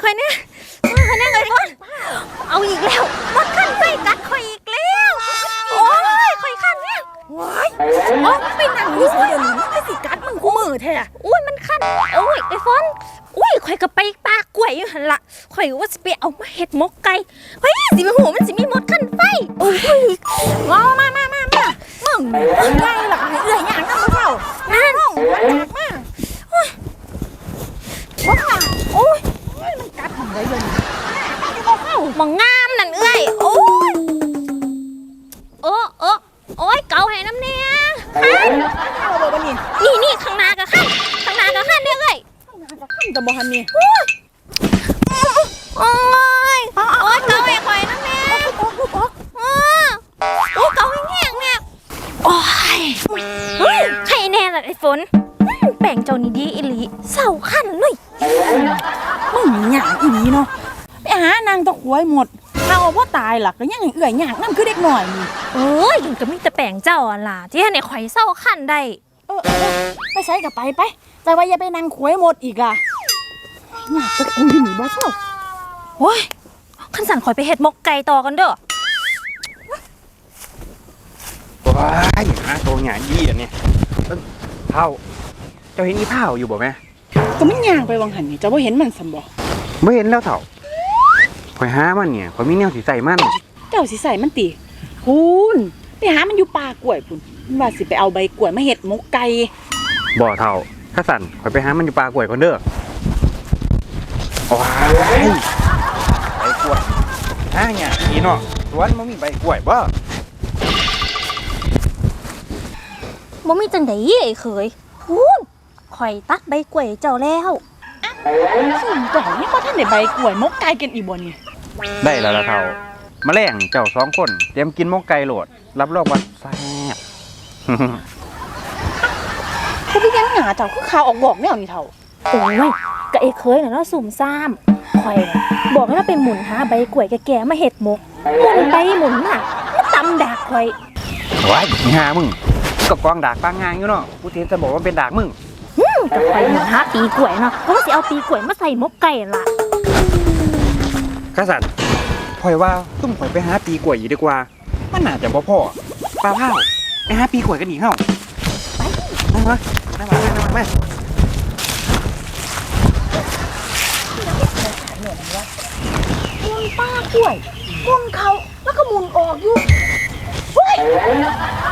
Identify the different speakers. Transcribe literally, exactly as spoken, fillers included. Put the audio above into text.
Speaker 1: อยเนี่ยมาคอยเนี่ยไอ้ฝนเอาอีกแล้วมดขั้นไส้กัดคอยอีกแล้วโอ้ยคอยขั้นเนี่ยว้ายอ๋อไปหนังอยู่เดี๋ยวนี้มันสิกัดมึงกูมือแท้อุ้ยมันขั้นโอ้ยไอ้ฝนอุ้ยคอยก็ไปปากกล้วยอยู่หันละคอยว่าสิไปเอามาเห็ดมกไก่เฮ้ยสิไปหูมันสิมีมดขั้นไฟโอ้ยงอมามามามามึงไงหรอเอื่อยอย่างนั้นมาเปล่านั่นมาโอ้ยว้าโอ้ยมันกัดมึงเลยเลยมองงามนั่นเอ้ยโอ้ยโอ้โอ้โอ้ยเกาให้น้ำเนี่ยขั้นเอาบ่นี่นี่นี่ข้างหน้ากับขั้นข้างหน้ากับขั้นเนี่ยเอ้ยข้างหน้ากับขั้นจะบ่ฮันนี่โอ้ยโอ้ยเกาให้ข่อยน้ำเนี่ยโอ้โอ้เกาให้แห้งเนี่ยโอ้ยใครแน่ล่ะไอ้ฝนแป่งเจ้านี่ดีอีหลีเศร้าขั้นเลยมึงหยางอีหลีเนาะไปหานางตะขวยหมดเราว่าตายหลักก็ยังเอื่อยหยางนั่นคือเด็กหน่อยนี่เอ้ยก็มีแต่แป่งเจ้าล่ะที่ให้ในข่อยเศร้าขั้นได้เออไปใช้กับไปไปแต่ว่าอย่าไปนางขวยหมดอีกอ่ะหยางตะกุยหนีบ้าเศร้าโอ้ยขันสั่นข่อยไปเห็ดมกไก่ต่อกันเด้อ
Speaker 2: ว้ายหาตัวหยายี่อันนี้เผาเจ้าเห็นอีเผาอยู่บ่แม่
Speaker 3: ก็มันย่างไปวังหันนี่จะว่าเห็นมันสมบ่
Speaker 2: ไม่เห็นแล้วเถ่าข่อยหามันเนี่ยข่อยมีแนวสีใส่มัน
Speaker 3: เจ้าสิใส่มันตีพูนไปหามันอยู่ป่ากล้วยพูนว่าสิไปเอาใบกล้วยมาเห็ดมกไก่
Speaker 2: บ่เถ่าข้าสั่นข่อยไปหามันอยู่ป่ากล้วยก่อนเด้อว้ายใบกล้วยหาเนี่ยอีเนาะสวนมันมีใบกล้วยบ่
Speaker 1: บ่มีจังได๋ไอ้เคยพูนข่อยตัดใบกล้วยเจ้าแล้ว
Speaker 3: ซึ่งเจ้านี่บ่ทันได้ใบกล้วยมกไก่กันอีบ่นี่
Speaker 2: ได้แล้วล่ะเถ่าแมลงเจ้าสองคนเตรียมกินมกไก่โหลดรับรองว่าแซ่บ
Speaker 3: เขาพี่ยังหาเจ้าคือข่าวออกบอกแนวนี่เท่า
Speaker 1: โอ้ยก็ไอ้เคยน่ะเนาะสุ่มซ่ามข่อยบอกให้เราไปหมุนหาใบกล้วยแก่ๆมาเฮ็ดมกหมุนไปหมุนมามันตำดากข่อย
Speaker 2: ว้ายหามึงก็กองดากปางงานอยู่เนาะกูเทนจะบอกว่าเป็นดากมึง
Speaker 1: กับไปหมุนหาปีกล้วยเนาะเพราะว่าสิเอาปีกล้วยมาใส่มกไก่ล่ะ
Speaker 2: กษัตริย์พอยว่าตุ้มข่อยไปหาปีกล้วยอยู่ดีกว่ามันน่าจะบ่พอปลาเผาไปหาปีกล้วยกันอีกเฮ้าไปมามามามามามา
Speaker 3: มุนป้ากล้วยมุนเขาแล้วก็มุนออกอยู่เฮ้ย